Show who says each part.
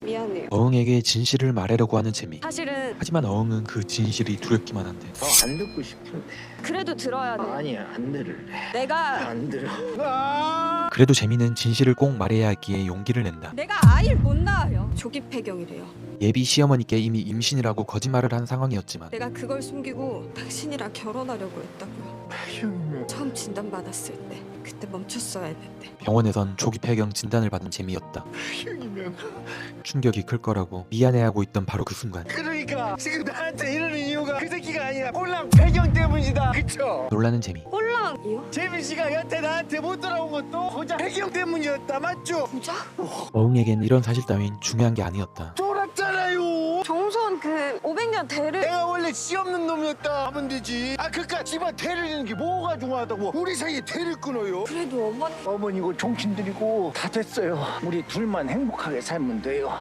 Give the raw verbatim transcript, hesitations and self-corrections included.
Speaker 1: 미안해요.
Speaker 2: 어흥에게 진실을 말하려고 하는 재미.
Speaker 1: 사실은
Speaker 2: 하지만 어흥은 그 진실이 두렵기만 한데.
Speaker 3: 더 안 듣고 싶은데.
Speaker 1: 그래도 들어야 돼.
Speaker 3: 아니야, 안 들을래.
Speaker 1: 내가
Speaker 3: 안 들어.
Speaker 2: 그래도 재미는 진실을 꼭 말해야 하기에 용기를 낸다.
Speaker 1: 내가 아이를 못 낳아요. 조기 폐경이래요.
Speaker 2: 예비 시어머니께 이미 임신이라고 거짓말을 한 상황이었지만
Speaker 1: 내가 그걸 숨기고 당신이랑 결혼하려고 했다고요.
Speaker 3: 폐경이면
Speaker 1: 처음 진단받았을 때 그때 멈췄어야 했는데.
Speaker 2: 병원에선 조기 폐경 진단을 받은 재미였다.
Speaker 3: 폐경이면
Speaker 2: 충격이 클 거라고 미안해하고 있던 바로 그 순간
Speaker 3: 그러니까 지금 나한테 이러는 이유가 그 새끼가 아니라 꼴랑 폐경 때문이다. 그쵸?
Speaker 2: 놀라는 재미.
Speaker 1: 홀랑이요?
Speaker 3: 재민 씨가 여태 나한테 못 돌아온 것도 고작 폐경 때문이었다. 맞죠?
Speaker 1: 부자?
Speaker 2: 어흥에겐 이런 사실 따윈 중요한 게 아니었다.
Speaker 3: 쫄았잖아요.
Speaker 1: 종손 그 오백 년 대를
Speaker 3: 내가 원래 씨 없는 놈이었다 하면 되지. 아 그니까 집안 대를 잇는 게 뭐가 중요하다고 우리 사이에 대를 끊어요.
Speaker 1: 그래도 어머니
Speaker 3: 어머니고 종친들이고 다 됐어요. 우리 둘만 행복하게 살면 돼요.